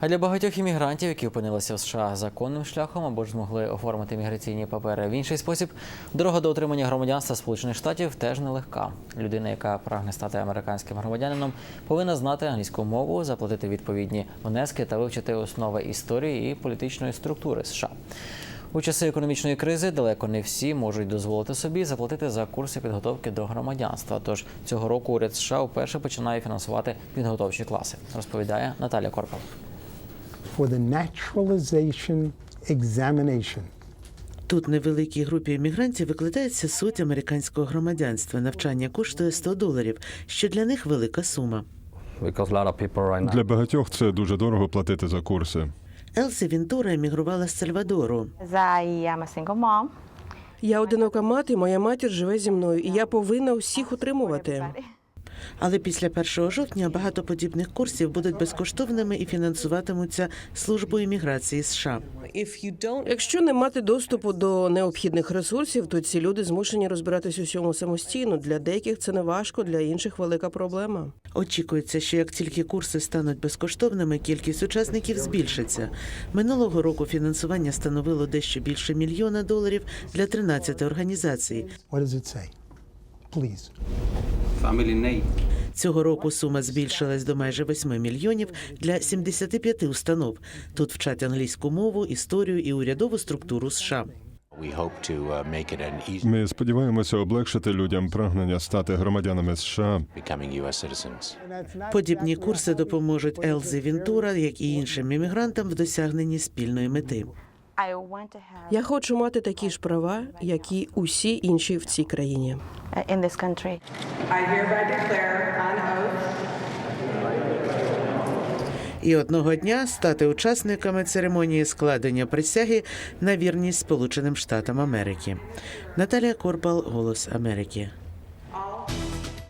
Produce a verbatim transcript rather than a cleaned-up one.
А для багатьох іммігрантів, які опинилися в США законним шляхом або ж змогли оформити міграційні папери в інший спосіб, дорога до отримання громадянства Сполучених Штатів теж нелегка. Людина, яка прагне стати американським громадянином, повинна знати англійську мову, заплатити відповідні внески та вивчити основи історії і політичної структури США. У часи економічної кризи далеко не всі можуть дозволити собі заплатити за курси підготовки до громадянства. Тож цього року уряд США вперше починає фінансувати підготовчі класи, розповідає Наталя Корпал. For the naturalization examination. Тут невеликій групі іммігрантів викладається суть американського громадянства. Навчання коштує сто доларів, що для них велика сума. Для багатьох це дуже дорого платити за курси. Елсі Вінтура емігрувала з Сальвадору. I am a single mom. Я одинока мати, моя матір живе зі мною, і я повинна усіх утримувати. Але після першого жовтня багато подібних курсів будуть безкоштовними і фінансуватимуться службою імміграції США. Якщо не мати доступу до необхідних ресурсів, то ці люди змушені розбиратись у всьому самостійно. Для деяких це не важко, для інших велика проблема. Очікується, що як тільки курси стануть безкоштовними, кількість учасників збільшиться. Минулого року фінансування становило дещо більше мільйона доларів для тринадцяти організацій. What does it say? Please. Цього року сума збільшилась до майже восьми мільйонів для сімдесяти п'яти установ. Тут вчать англійську мову, історію і урядову структуру США. Ми сподіваємося облегшити людям прагнення стати громадянами США. Подібні курси допоможуть Елзі Вінтура, як і іншим іммігрантам, в досягненні спільної мети. I want to have Я хочу мати такі ж права, як і усі інші в цій країні. uh, in this country. I hereby declare on oath І одного дня стати учасниками церемонії складення присяги на вірність Сполученим Штатам Америки. Наталія Корпал, Голос Америки.